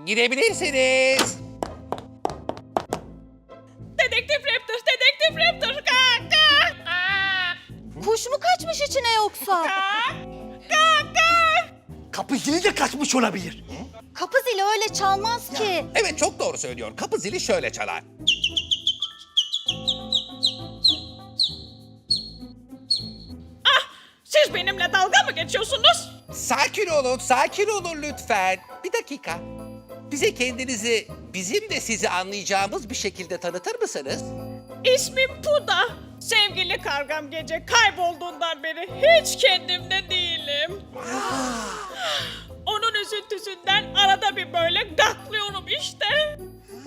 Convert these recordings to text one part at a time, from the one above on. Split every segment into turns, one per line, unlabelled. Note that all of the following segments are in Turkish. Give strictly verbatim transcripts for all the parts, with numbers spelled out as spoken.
Girebilirsiniz.
Dedektif Raptor, Dedektif Raptor. Kalk, kalk. Aa,
Kuş mu kaçmış içine yoksa?
kalk, kalk, kalk.
Kapı zili de kaçmış olabilir.
Kapı zili öyle çalmaz ki.
Evet, çok doğru söylüyor. Kapı zili şöyle çalar.
Siz benimle dalga mı geçiyorsunuz?
Sakin olun, sakin olun lütfen. Bir dakika. Bize kendinizi, bizim de sizi anlayacağımız bir şekilde tanıtır mısınız?
İsmim Puda. Sevgili kargam gece kaybolduğundan beri hiç kendimde değilim. Onun üzüntüsünden arada bir böyle gaklıyorum işte.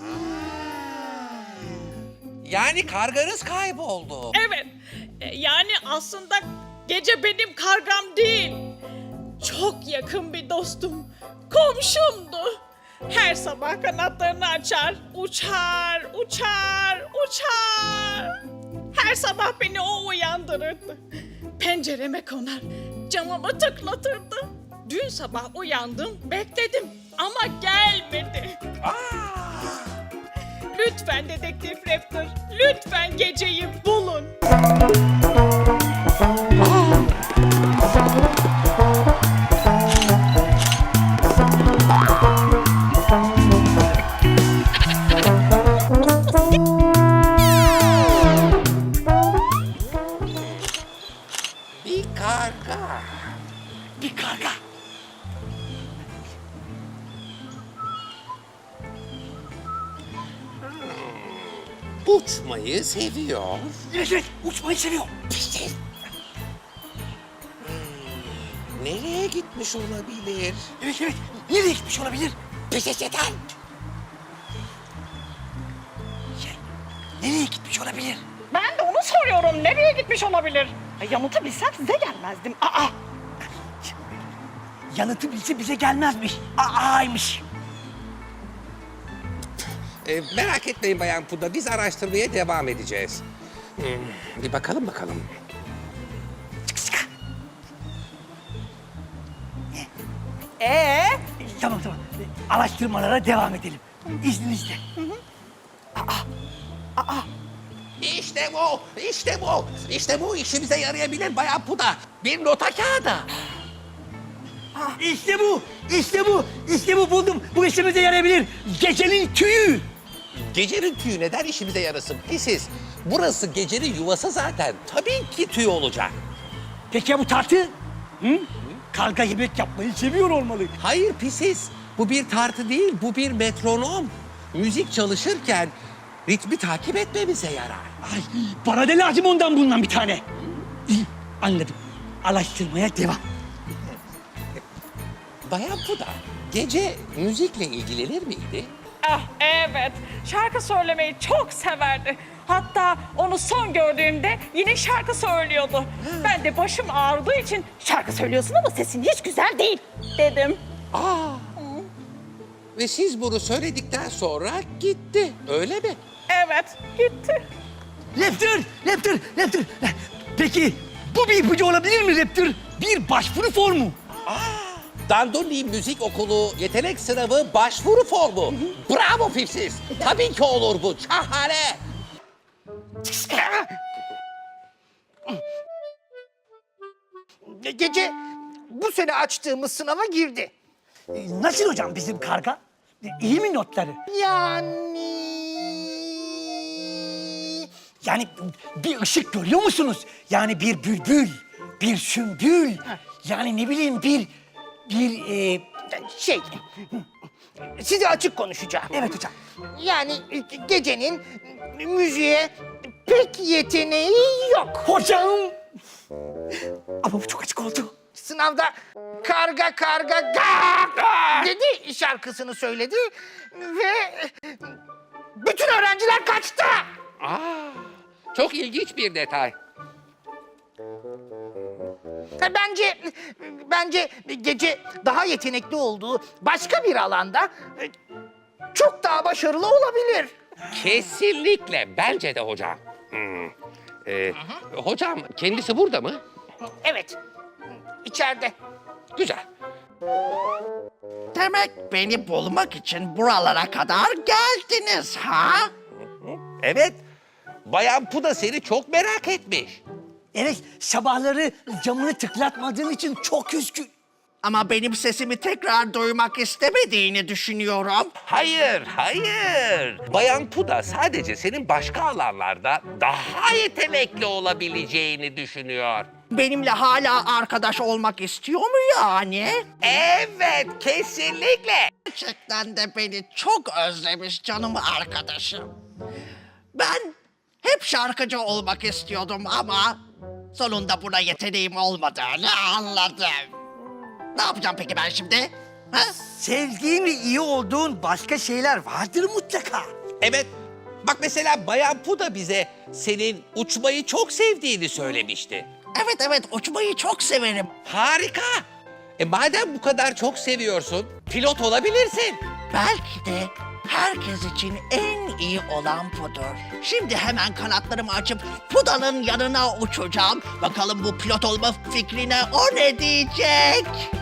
Yani karganız kayboldu.
Evet, e, yani aslında gece benim kargam değil. Çok yakın bir dostum, komşumdu. Her sabah kanatlarını açar, uçar, uçar, uçar. Her sabah beni o uyandırırdı. Pencereme konar, camımı tıklatırdı. Dün sabah uyandım, bekledim ama gelmedi. Lütfen Dedektif Raptor, lütfen geceyi bulun.
Bir karga.
Bir karga.
Uçmayı seviyor.
Evet evet uçmayı seviyor.
Peki. Nereye gitmiş olabilir?
Evet evet nereye gitmiş olabilir?
Peçeteden.
Şey, nereye gitmiş olabilir?
Ben de onu soruyorum. Nereye gitmiş olabilir? Yanıtı bilsem size gelmezdim. Aa!
Yanıtı bilse bize gelmezmiş. Aaymış.
Ee, merak etmeyin Bayan Puda, biz araştırmaya devam edeceğiz. Hmm, bir bakalım bakalım.
Ee? Tamam tamam. Araştırmalara devam edelim. İzninizle.
İşte bu, işte bu, işte bu işimize yarayabilir Bayan Puda. Bir nota kağıdı.
İşte bu, işte bu, işte bu buldum. Bu işimize yarayabilir. Gecenin tüyü.
Gecenin tüyü neden işimize yarasın? Pisiz. Burası gecenin yuvası zaten. Tabii ki tüy olacak.
Peki ya bu tartı? Hı? Karga yemek yapmayı seviyor olmalı.
Hayır pisiz. Bu bir tartı değil, bu bir metronom. Müzik çalışırken ritmi takip etmemize yarar.
Ay, bana da lazım ondan bundan bir tane. İyi, anladım. Araştırmaya devam.
Bayan Puda, gece müzikle ilgilenir miydi?
Ah evet, şarkı söylemeyi çok severdi. Hatta onu son gördüğümde yine şarkı söylüyordu. Ben de başım ağrıdığı için şarkı söylüyorsun ama sesin hiç güzel değil dedim.
Aa. Ve siz bunu söyledikten sonra gitti, öyle mi?
Evet, gitti.
Raptor, Raptor, Raptor. Peki bu bir ipucu olabilir mi Raptor? Bir başvuru formu.
Dandoni Müzik Okulu yetenek sınavı başvuru formu. Bravo Pipsiz. Tabii ki olur bu. Şahane.
Gece bu sene açtığımız sınava girdi.
Ee, Nasıl hocam bizim karga? Ee, İyi mi notları?
Yani...
Yani bir ışık görüyor musunuz? Yani bir bülbül, bir sümbül. Yani ne bileyim bir, bir... E...
Şey, size açık konuşacağım.
Evet hocam.
Yani gecenin müziğe pek yeteneği yok.
Hocam! Ama bu çok açık oldu.
Sınavda karga karga gak dedi şarkısını söyledi ve bütün öğrenciler kaçtı.
Aa, çok ilginç bir detay.
Bence bence gece daha yetenekli olduğu başka bir alanda çok daha başarılı olabilir.
Kesinlikle. Bence de hocam. Hmm. Ee, hocam kendisi burada mı?
Evet, içeride.
Güzel.
Demek beni bulmak için buralara kadar geldiniz ha?
Evet. Bayan Puda seni çok merak etmiş.
Evet, sabahları camını tıklatmadığın için çok üzgün.
Ama benim sesimi tekrar duymak istemediğini düşünüyorum.
Hayır, hayır. Bayan Puda sadece senin başka alanlarda daha yetenekli olabileceğini düşünüyor.
Benimle hala arkadaş olmak istiyor mu yani?
Evet, kesinlikle.
Gerçekten de beni çok özlemiş canım arkadaşım. Ben hep şarkıcı olmak istiyordum ama sonunda buna yeteneğim olmadığını anladım. Ne yapacağım peki ben şimdi? Ha?
Sevdiğin ve iyi olduğun başka şeyler vardır mutlaka.
Evet. Bak mesela Bayan Puda bize senin uçmayı çok sevdiğini söylemişti.
Evet evet uçmayı çok severim.
Harika. E madem bu kadar çok seviyorsun, pilot olabilirsin.
Belki de herkes için en iyi olan budur. Şimdi hemen kanatlarımı açıp Puda'nın yanına uçacağım. Bakalım bu pilot olma fikrine o ne diyecek?